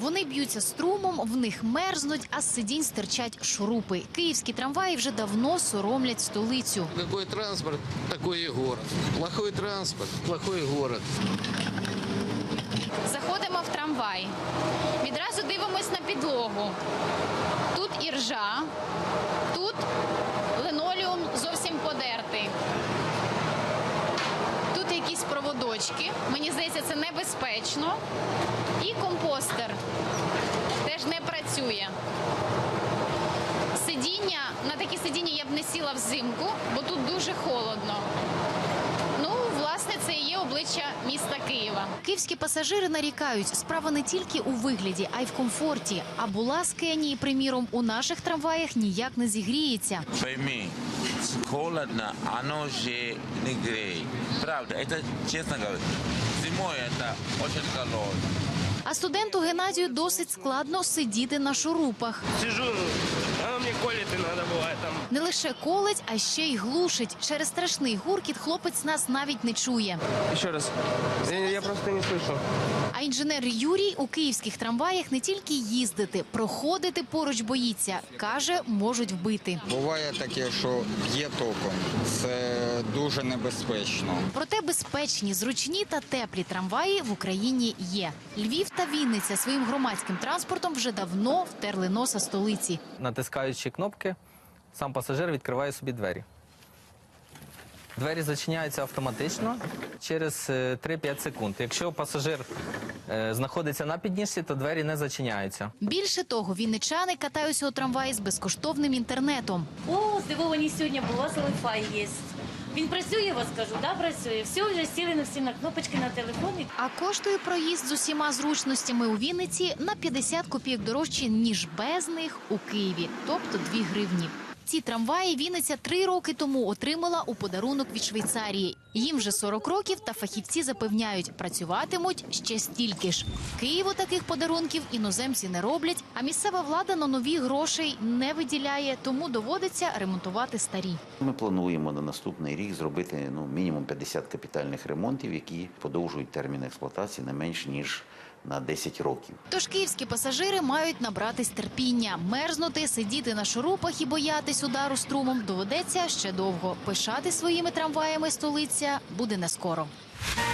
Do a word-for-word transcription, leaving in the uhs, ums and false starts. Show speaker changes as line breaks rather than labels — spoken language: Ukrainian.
Вони б'ються струмом, в них мерзнуть, а з сидінь стирчать шурупи. Київські трамваї вже давно соромлять столицю.
Какой транспорт, такой и город. Плохой транспорт, плохой город.
Заходимо в трамвай. Відразу дивимось на підлогу. Тут іржа, тут линолеум зовсім подертий. Тут якісь проводочки. Мені здається, це небезпечно. І компостер теж не працює. Сидіння, на такі сидіння я б не сіла взимку, бо тут дуже холодно. Ну, власне, це і є обличчя міста Києва. Київські пасажири нарікають, справа не тільки у вигляді, а й в комфорті. А була з Кенії, приміром, у наших трамваях ніяк не зігріється.
Пойми, холодно, оно же не греет. Правда, это честно говоря. Зимой это очень холодно.
А студенту Геннадію досить складно сидіти на шурупах.
Сижу, а мені коліти треба буває там.
Не лише колить, а ще й глушить. Через страшний гуркіт хлопець нас навіть не чує.
Ще раз, я, я просто не слышу.
А інженер Юрій у київських трамваях не тільки їздити, проходити поруч боїться. Каже, можуть вбити.
Буває таке, що є током. Це дуже небезпечно.
Проте безпечні, зручні та теплі трамваї в Україні є. Львів та Вінниця своїм громадським транспортом вже давно втерли носа столиці.
Натискаючи кнопки, сам пасажир відкриває собі двері. Двері зачиняються автоматично через три-п'ять секунд. Якщо пасажир е, знаходиться на підніжці, то двері не зачиняються.
Більше того, вінничани катаються у трамваї з безкоштовним інтернетом.
О, здивовані сьогодні, бо у вас Wi-Fi є. Він працює, я вас кажу, да, працює. Все, вже сіли на всі на кнопочки на телефоні.
А коштує проїзд з усіма зручностями у Вінниці на п'ятдесят копійок дорожче, ніж без них у Києві, тобто дві гривні. Ці трамваї Вінниця три роки тому отримала у подарунок від Швейцарії. Їм вже сорок років, та фахівці запевняють, працюватимуть ще стільки ж. Києву таких подарунків іноземці не роблять, а місцева влада на нові грошей не виділяє, тому доводиться ремонтувати старі.
Ми плануємо на наступний рік зробити ну, мінімум п'ятдесят капітальних ремонтів, які подовжують термін експлуатації не менш ніж на десять років.
Тож київські пасажири мають набратись терпіння. Мерзнути, сидіти на шурупах і боятись удару струмом доведеться ще довго. Пишати своїми трамваями столиця буде не скоро.